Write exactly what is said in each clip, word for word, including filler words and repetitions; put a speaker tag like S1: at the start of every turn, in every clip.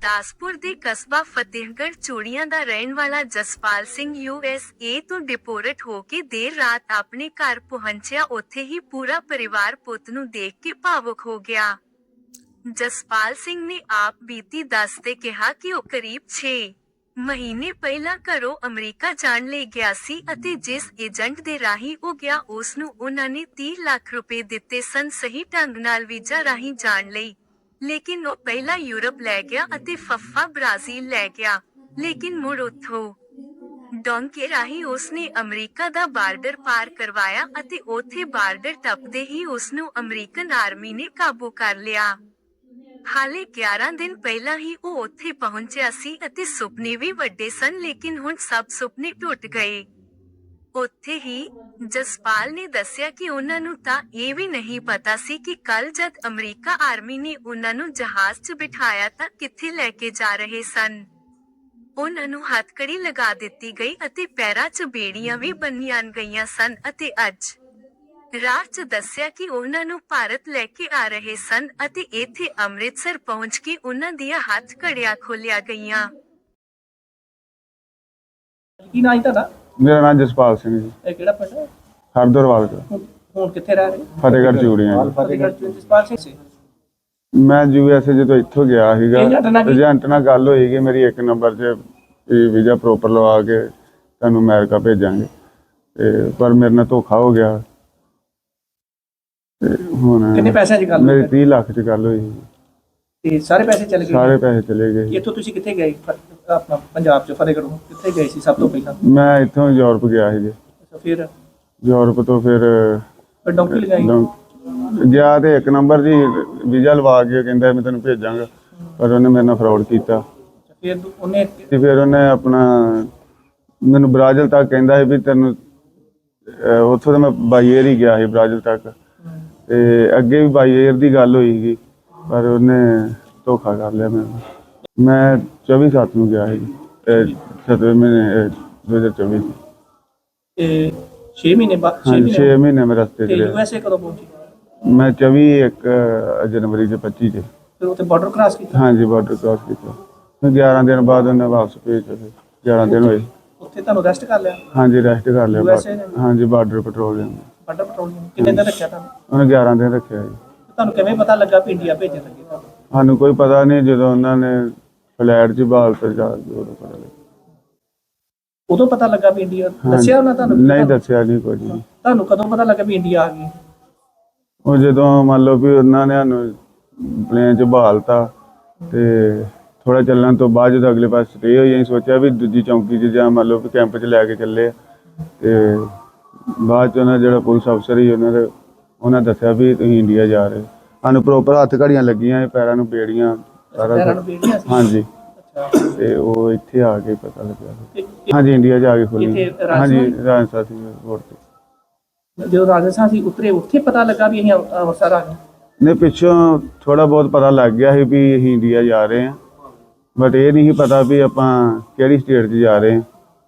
S1: ਗੁਰਦਾਸਪੁਰ ਦੇ ਕਸਬਾ ਫਤਿਹਗੜ੍ਹ ਚੂੜੀਆਂ ਦਾ ਰਹਿਣ ਵਾਲਾ Jaspal Singh U S A ਤੋਂ ਡਿਪੋਰਟ ਹੋ ਕੇ ਦੇਰ ਰਾਤ ਆਪਣੇ ਘਰ ਪਹੁੰਚਿਆ। ਉੱਥੇ ਹੀ ਪੂਰਾ ਪਰਿਵਾਰ ਪੁੱਤ ਨੂੰ ਦੇਖ ਕੇ ਭਾਵੁਕ ਹੋ ਗਿਆ। ਜਸਪਾਲ ਸਿੰਘ ਨੇ ਆਪ ਬੀਤੀ ਦੱਸਦੇ ਕਿਹਾ ਕਿ ਉਹ ਕਰੀਬ ਛੇ ਮਹੀਨੇ ਪਹਿਲਾਂ ਘਰੋਂ ਅਮਰੀਕਾ ਜਾਣ ਲਈ ਗਿਆ ਸੀ ਅਤੇ ਜਿਸ ਏਜੰਟ ਦੇ ਰਾਹੀਂ ਉਹ ਗਿਆ ਉਸ ਨੂੰ ਉਹਨਾਂ ਨੇ ਤੀਹ ਲੱਖ ਰੁਪਏ ਦਿੱਤੇ ਸਨ ਸਹੀ ਢੰਗ ਨਾਲ ਵੀਜ਼ਾ ਰਾਹੀਂ ਜਾਣ ਲਈ। ਲੇਕਿਨ ਉਹ ਪਹਿਲਾਂ ਯੂਰਪ ਲੈ ਗਿਆ ਅਤੇ ਫੱਫਾ ਬ੍ਰਾਜ਼ੀਲ ਲੈ ਗਿਆ, ਲੇਕਿਨ ਮੁੜ ਉੱਥੋਂ ਡੋਂਕੇ ਰਾਹੀਂ ਉਸਨੇ ਅਮਰੀਕਾ ਦਾ ਬਾਰਡਰ ਪਾਰ ਕਰਵਾਇਆ ਅਤੇ ਉੱਥੇ ਬਾਰਡਰ ਟੱਪਦੇ ਹੀ ਉਸਨੂੰ ਅਮਰੀਕਨ ਆਰਮੀ ਨੇ ਕਾਬੂ ਕਰ ਲਿਆ। ਹਾਲੇ ਗਿਆਰਾਂ ਦਿਨ ਪਹਿਲਾਂ ਹੀ ਉਹ ਉੱਥੇ ਪਹੁੰਚਿਆ ਸੀ ਅਤੇ ਸੁਪਨੇ ਵੀ ਵੱਡੇ ਸਨ, ਲੇਕਿਨ ਹੁਣ ਸਭ ਸੁਪਨੇ ਟੁੱਟ ਗਏ। ਉੱਥੇ ਹੀ ਜਸਪਾਲ ਨੇ ਦੱਸਿਆ ਕਿ ਉਹਨਾਂ ਨੂੰ ਤਾਂ ਇਹ ਵੀ ਨਹੀਂ ਪਤਾ ਸੀ ਕਿ ਕੱਲ ਜਦ ਅਮਰੀਕਾ ਆਰਮੀ ਨੇ ਉਹਨਾਂ ਨੂੰ ਜਹਾਜ਼ 'ਚ ਬਿਠਾਇਆ ਤਾਂ ਕਿੱਥੇ ਲੈ ਕੇ ਜਾ ਰਹੇ ਸਨ। ਉਹਨਾਂ ਨੂੰ ਹੱਥਕੜੀ ਲਗਾ ਦਿੱਤੀ ਗਈ ਅਤੇ ਪੈਰਾਂ 'ਚ ਬੇੜੀਆਂ ਵੀ ਬੰਨ੍ਹੀਆਂ ਗਈਆਂ ਸਨ ਅਤੇ ਅੱਜ ਰਾਹ 'ਚ ਦੱਸਿਆ ਕਿ ਉਹਨਾਂ ਨੂੰ ਭਾਰਤ ਲੈ ਕੇ ਆ ਰਹੇ ਸਨ ਅਤੇ ਇੱਥੇ ਅੰਮ੍ਰਿਤਸਰ ਪਹੁੰਚ ਕੇ ਉਹਨਾਂ ਦੀਆਂ ਹੱਥ ਘੜੀਆਂ ਖੋਲੀਆਂ ਗਈਆਂ।
S2: ਕੀ ਨਾਂ ਹੈ ਤੁਹਾਡਾ?
S3: ਮੇਰਾ ਨਾਮ ਜਸਪਾਲ ਸਿੰਘ ਜੀ।
S2: ਇਹ ਕਿਹੜਾ ਪਿੰਡ ਹੈ?
S3: ਹਰਦਰਵਾਲ ਦਾ।
S2: ਹੁਣ ਹੁਣ ਕਿੱਥੇ ਰਹਿ ਰਹੇ?
S3: ਫਤਿਹਗੜ੍ਹ ਚੂੜੀਆਂ ਜੀ।
S2: ਫਤਿਹਗੜ੍ਹ ਚ ਜਸਪਾਲ ਸਿੰਘ ਸੀ।
S3: ਮੈਂ ਯੂ ਐਸ ਏ ਜਦੋਂ ਇੱਥੋਂ ਗਿਆ ਸੀਗਾ,
S2: ਏਜੰਟ ਨਾਲ ਕੀ-
S3: ਏਜੰਟ ਨਾਲ ਗੱਲ ਹੋਈ ਕਿ ਮੇਰੀ ਇੱਕ ਨੰਬਰ 'ਚ ਵੀਜ਼ਾ ਪ੍ਰੋਪਰ ਲਵਾ ਕੇ ਤੁਹਾਨੂੰ ਅਮਰੀਕਾ ਭੇਜਾਂਗੇ, ਤੇ ਪਰ ਮੇਰੇ ਨਾਲ ਧੋਖਾ ਹੋ ਗਿਆ। ਤੇ ਹੁਣ
S2: ਕਿੰਨੇ ਪੈਸਿਆਂ 'ਚ ਗੱਲ
S3: ਮੇਰੀ
S2: ਹੋਈ?
S3: ਤੀਹ ਲੱਖ 'ਚ ਗੱਲ ਹੋਈ।
S2: ਤੇ ਸਾਰੇ ਪੈਸੇ ਚਲੇ ਗਏ?
S3: ਸਾਰੇ ਪੈਸੇ ਚਲੇ ਗਏ।
S2: ਇੱਥੋਂ ਤੁਸੀਂ ਕਿੱਥੇ ਗਏ? ਫ- ਆਪਣਾ ਪੰਜਾਬ 'ਚ ਫਤਿਹਗੜ੍ਹ ਕਿੱਥੇ ਗਏ ਸੀ ਸਭ ਤੋਂ ਪਹਿਲਾਂ?
S3: ਮੈਂ ਇੱਥੋਂ ਯੂਰਪ ਗਿਆ ਸੀ ਜੀ।
S2: ਅੱਛਾ, ਫਿਰ
S3: ਯੂਰਪ ਤੋਂ ਫਿਰ
S2: ਫਿਰ ਡੌਂਕੀ ਲਗਾਈ?
S3: ਡੌਂ- ਗਿਆ ਤੇ ਇੱਕ ਨੰਬਰ ਜੀ ਵੀਜ਼ਾ ਲਵਾ ਕੇ ਕਹਿੰਦਾ ਮੈਂ ਤੈਨੂੰ ਭੇਜਾਂਗਾ, ਪਰ ਉਹਨੇ ਮੇਰੇ ਨਾਲ ਫਰਾਡ ਕੀਤਾ।
S2: ਅੱਛਾ, ਫਿਰ ਦੂ- ਉਹਨੇ
S3: ਤੇ ਫਿਰ ਉਹਨੇ ਆਪਣਾ ਮੈਨੂੰ ਬ੍ਰਾਜ਼ੀਲ ਤੱਕ ਕਹਿੰਦਾ ਸੀ ਵੀ ਤੈਨੂੰ ਅਹ ਉੱਥੋਂ ਤਾਂ ਮੈਂ ਬਾਈ ਏਅਰ ਹੀ ਗਿਆ ਸੀ ਬ੍ਰਾਜ਼ੀਲ ਤੱਕ, ਤੇ ਅੱਗੇ ਵੀ ਬਾਈ ਏਅਰ ਦੀ ਗੱਲ ਹੋਈ ਸੀ, ਪਰ ਉਹਨੇ ਧੋਖਾ ਕਰ ਲਿਆ ਮੈਨੂੰ। ਮੈਂ ਚੌਵੀ ਸੱਤ ਨੂੰ ਗਿਆ ਸੀ, ਸੱਤਵੇਂ ਮਹੀਨੇ ਦੋ ਹਜ਼ਾਰ ਚੌਵੀ ਚ।
S2: ਇਹ ਛੇ ਮਹੀਨੇ ਬਾਅਦ ਛੇ
S3: ਹਾਂਜੀ ਛੇ
S2: ਮਹੀਨੇ
S3: ਮਹੀਨੇ ਮੈਂ ਰਸਤੇ
S2: ਤੇ
S3: ਚ
S2: ਯੂ
S3: ਰਿਹਾ।
S2: ਐਸ ਏ ਕਦੋਂ ਪਹੁੰਚੀ?
S3: ਮੈਂ ਚੌਵੀ ਇੱਕ ਜਨਵਰੀ ਚ ਪੱਚੀ ਚ।
S2: ਫਿਰ ਉੱਥੇ ਬਾਰਡਰ ਕ੍ਰਾਸ ਕੀਤਾ?
S3: ਹਾਂਜੀ ਬਾਰਡਰ ਕ੍ਰਾਸ ਕੀਤਾ। ਫਿਰ ਗਿਆਰਾਂ ਦਿਨ ਬਾਅਦ ਉਹਨੇ ਵਾਪਸ ਭੇਜਿਆ। ਫਿਰ ਗਿਆਰਾਂ ਦਿਨ ਹੋਏ।
S2: ਉੱਥੇ ਤੁਹਾਨੂੰ ਰੈਸਟ ਕਰ ਲਿਆ?
S3: ਹਾਂਜੀ ਰੈਸਟ ਕਰ ਲਿਆ।
S2: ਯੂ ਐਸ ਏ ਨੇ?
S3: ਹਾਂਜੀ ਬਾਰਡਰ ਪੈਟਰੋਲਿੰਗ
S2: ਬਾਰਡਰ ਪੈਟਰੋਲਿੰਗ ਕਿੰਨੇ ਦਿਨ ਰੱਖਿਆ ਤੁਹਾਨੂੰ?
S3: ਉਹਨੇ ਗਿਆਰਾਂ ਦਿਨ ਰੱਖਿਆ ਜੀ।
S2: ਤੁਹਾਨੂੰ ਕਿਵੇਂ ਪਤਾ ਲੱਗਾ ਵੀ ਇੰਡੀਆ ਭੇਜਣ ਲੱਗੇ ਤੁਹਾਨੂੰ?
S3: ਸਾਨੂੰ ਕੋਈ ਪਤਾ ਨਹੀਂ, ਜਦੋਂ ਉਹਨਾਂ ਨੇ ਫਲੈਟ 'ਚ ਬਾਲ ਤੇ ਜਾ ਕੇ ਉਦੋਂ ਪਤਾ ਲੱਗਾ।
S2: ਉਦੋਂ ਪਤਾ ਲੱਗਾ ਵੀ ਇੰਡੀਆ?
S3: ਹਾਂਜੀ।
S2: ਦੱਸਿਆ ਉਹਨਾਂ ਤੁਹਾਨੂੰ?
S3: ਨਹੀਂ ਦੱਸਿਆ ਨਹੀਂ ਕੁਝ ਵੀ।
S2: ਤੁਹਾਨੂੰ ਕਦੋਂ ਪਤਾ ਲੱਗਾ ਵੀ ਇੰਡੀਆ ਆ ਗਈ?
S3: ਉਹ ਜਦੋਂ ਮੰਨ ਲਓ ਵੀ ਉਹਨਾਂ ਨੇ ਸਾਨੂੰ ਪਲੇਨ 'ਚ ਬਹਾਲਤਾ, ਤੇ ਥੋੜਾ ਚੱਲਣ ਤੋਂ ਬਾਅਦ ਜਦੋਂ ਅਗਲੇ ਪਾਸੇ ਸਟੇ ਹੋਈ, ਅਸੀਂ ਸੋਚਿਆ ਵੀ ਦੂਜੀ ਚੌਂਕੀ 'ਚ ਜਾਂ ਮੰਨ ਲਓ ਵੀ ਕੈਂਪ 'ਚ ਲੈ ਕੇ ਚੱਲੇ ਆ। ਤੇ ਬਾਅਦ 'ਚ ਉਹਨਾਂ ਜਿਹੜਾ ਪੁਲਿਸ ਅਫਸਰ ਸੀ ਉਹਨਾਂ ਦੇ ਉਹਨਾਂ ਦੱਸਿਆ ਵੀ ਤੁਸੀਂ ਇੰਡੀਆ ਜਾ ਰਹੇ। ਸਾਨੂੰ ਪ੍ਰੋਪਰ ਹੱਥ ਘੜੀਆਂ ਲੱਗੀਆਂ, ਪੈਰਾਂ ਨੂੰ ਬੇੜੀਆਂ, ਸਾਰਾ
S2: ਪੈਰਾਂ ਨੂੰ
S3: ਕੁਛ।
S2: ਬੇੜੀਆਂ ਸੀ?
S3: ਹਾਂਜੀ।
S2: ਅੱਛਾ,
S3: ਤੇ ਉਹ ਇੱਥੇ ਆ ਕੇ ਪਤਾ ਲੱਗਿਆ।
S2: ਤੇ
S3: ਹਾਂਜੀ ਇੰਡੀਆ 'ਚ ਆ ਕੇ ਖੁੱਲੀ।
S2: ਇੱਥੇ
S3: ਹਾਂਜੀ
S2: ਰਾਜਸਥਾਨ?
S3: ਰਾਜਸਥਾਨ ਸੀ 에ਅਰਪੋਰਟ ਤੇ।
S2: ਜਦੋਂ ਰਾਜਸਥਾਨ ਸੀ ਉਤਰੇ, ਉੱਥੇ ਪਤਾ ਲੱਗਾ ਵੀ ਅਸੀਂ ਅੰਮ੍ਰਿ- ਅੰਮ੍ਰਿਤਸਰ ਆ ਗਏ?
S3: ਨੇ ਪਿੱਛੋਂ ਥੋੜਾ ਬਹੁਤ ਪਤਾ ਲੱਗ ਗਿਆ ਸੀ ਵੀ ਅਸੀਂ ਇੰਡੀਆ ਜਾ ਰਹੇ ਹਾਂ, ਬਟ ਇਹ ਨਹੀਂ ਸੀ ਪਤਾ ਵੀ ਆਪਾਂ ਕਿਹੜੀ ਸਟੇਟ 'ਚ ਜਾ ਰਹੇ ਹਾਂ।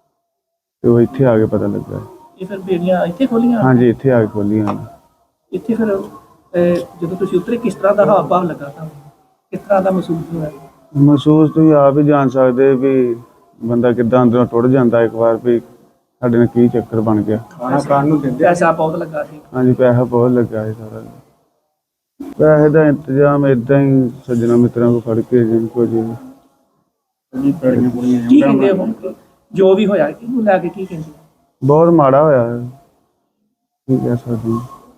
S3: ਤੇ ਉਹ ਇੱਥੇ ਆ ਕੇ ਪਤਾ ਲੱਗਾ।
S2: ਇਹ ਫਿਰ ਬੇੜੀਆਂ ਇੱਥੇ ਖੋਲੀਆਂ?
S3: ਹਾਂਜੀ ਇੱਥੇ ਆ ਕੇ ਖੋਲੀਆਂ।
S2: ਇੱਥੇ ਫਿਰ ਅਹ, ਜਦੋਂ ਤੁਸੀਂ ਉਤਰੇ ਕਿਸ ਤਰ੍ਹਾਂ ਦਾ ਹਾਵ ਭਾਵ ਲੱਗਾ ਤੁਹਾਨੂੰ? ਕਿਸ ਤਰ੍ਹਾਂ ਦਾ ਮਹਿਸੂਸ ਹੋਇਆ?
S3: ਮਹਿਸੂਸ ਤੁਸੀਂ ਆਪ ਹੀ ਜਾਣ ਸਕਦੇ ਵੀ ਬੰਦਾ ਕਿੱਦਾਂ ਅੰਦਰੋਂ ਟੁੱਟ ਜਾਂਦਾ ਇੱਕ ਵਾਰ ਵੀ ਸਾਡੇ ਨਾਲ ਕੀ ਚੱਕਰ ਬਣ ਗਿਆ।
S2: ਖਾਣਾ ਖਾਣ ਨੂੰ ਦਿੰਦੇ? ਪੈਸਾ ਬਹੁਤ ਲੱਗਾ ਸੀ?
S3: ਹਾਂਜੀ ਪੈਸਾ ਬਹੁਤ ਲੱਗਾ ਸੀ ਸਾਰਾ। ਪੈਸੇ ਦਾ ਇੰਤਜ਼ਾਮ ਏਦਾਂ ਹੀ ਸੱਜਣਾ ਮਿੱਤਰਾਂ ਕੋਲ ਫੜ ਕੇ ਜਿੰਨ ਕੋ ਜੀ।
S2: ਕੀ ਕਹਿੰਦੇ ਹੁਣ ਜੋ ਵੀ ਹੋਇਆ ਕਿਹਨੂੰ ਲੈ ਕੇ ਕੀ ਕਹਿੰਦੇ?
S3: ਬਹੁਤ ਮਾੜਾ ਹੋਇਆ ਹੈ। ਕੀ ਕਹਿ ਸਕਦੇ ਹਾਂ।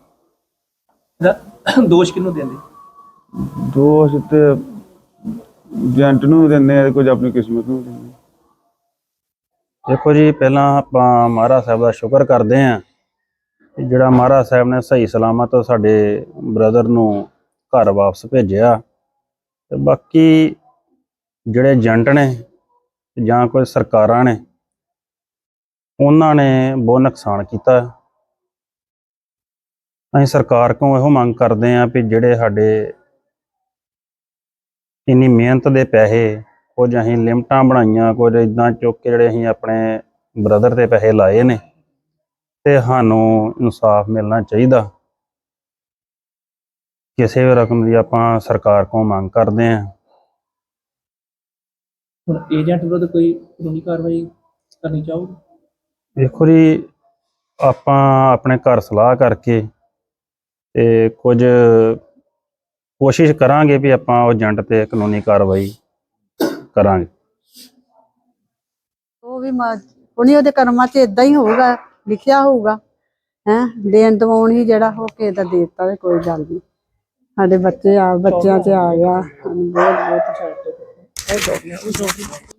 S2: ਇਹਦਾ ਦੋਸ਼ ਕਿਹਨੂੰ ਦਿੰਦੇ?
S3: ਦੋਸ਼ ਤੇ ਏਜੰਟ ਨੂੰ ਦਿੰਦੇ ਆ, ਕੁਝ ਆਪਣੀ ਕਿਸਮਤ ਨੂੰ ਦਿੰਦੇ।
S4: ਦੇਖੋ ਜੀ, ਪਹਿਲਾਂ ਆਪਾਂ ਮਹਾਰਾਜ ਸਾਹਿਬ ਦਾ ਸ਼ੁਕਰ ਕਰਦੇ ਹਾਂ ਕਿ ਜਿਹੜਾ ਮਹਾਰਾਜ ਸਾਹਿਬ ਨੇ ਸਹੀ ਸਲਾਮਤ ਸਾਡੇ ਬ੍ਰਦਰ ਨੂੰ ਘਰ ਵਾਪਸ ਭੇਜਿਆ। ਤੇ ਬਾਕੀ ਜਿਹੜੇ ਏਜੰਟ ਨੇ ਜਾਂ ਕੋਈ ਸਰਕਾਰਾਂ ਨੇ, ਉਹਨਾਂ ਨੇ ਬਹੁਤ ਨੁਕਸਾਨ ਕੀਤਾ। ਅਸੀਂ ਸਰਕਾਰ ਕੋਲੋਂ ਇਹੋ ਮੰਗ ਕਰਦੇ ਹਾਂ ਵੀ ਜਿਹੜੇ ਸਾਡੇ ਇੰਨੀ ਮਿਹਨਤ ਦੇ ਪੈਸੇ, ਕੁਝ ਅਸੀਂ ਲਿਮਟਾਂ ਬਣਾਈਆਂ, ਕੁਝ ਇੱਦਾਂ ਚੁੱਕ ਕੇ ਜਿਹੜੇ ਅਸੀਂ ਆਪਣੇ ਬ੍ਰਦਰ ਤੇ ਪੈਸੇ ਲਾਏ ਨੇ, ਤੇ ਸਾਨੂੰ ਇਨਸਾਫ ਮਿਲਣਾ ਚਾਹੀਦਾ। ਕਿਸੇ ਵੀ ਰਕਮ ਦੀ ਆਪਾਂ ਸਰਕਾਰ ਕੋਲੋਂ ਮੰਗ ਕਰਦੇ ਹਾਂ।
S2: ਹੁਣ ਏਜੰਟ ਵਿਰੁੱਧ ਕੋਈ ਕਾਨੂੰਨੀ ਕਾਰਵਾਈ ਕਰਨੀ ਚਾਹੋਗੇ?
S4: ਦੇਖੋ ਜੀ, ਆਪਾਂ ਆਪਣੇ ਘਰ ਸਲਾਹ ਕਰਕੇ ਤੇ ਕੁਝ ਕੋਸ਼ਿਸ਼ ਕਰਾਂਗੇ ਵੀ ਆਪਾਂ ਉਹ ਏਜੰਟ ਤੇ ਕਾਨੂੰਨੀ ਕਾਰਵਾਈ ਕਰਾਂਗੇ।
S5: ਉਹ ਵੀ ਮਾ- ਉਹਨੇ ਉਹਦੇ ਕਰਮਾਂ 'ਚ ਇਦਾਂ ਹੀ ਹੋਊਗਾ, ਲਿਖਿਆ ਹੋਊਗਾ ਹੈ ਦੇਣ ਦਵਾਉਣ ਹੀ ਜਿਹੜਾ ਹੋ ਕੇ ਦਾ ਦੇ ਦਿੱਤਾ ਤੇ ਕੋਈ ਗੱਲ ਨਹੀਂ। ਸਾਡੇ ਬੱਚੇ ਆ ਬੱਚਿਆਂ 'ਚ ਆ ਗਿਆ ਸਾਨੂੰ ਬਹੁਤ ਬਹੁਤ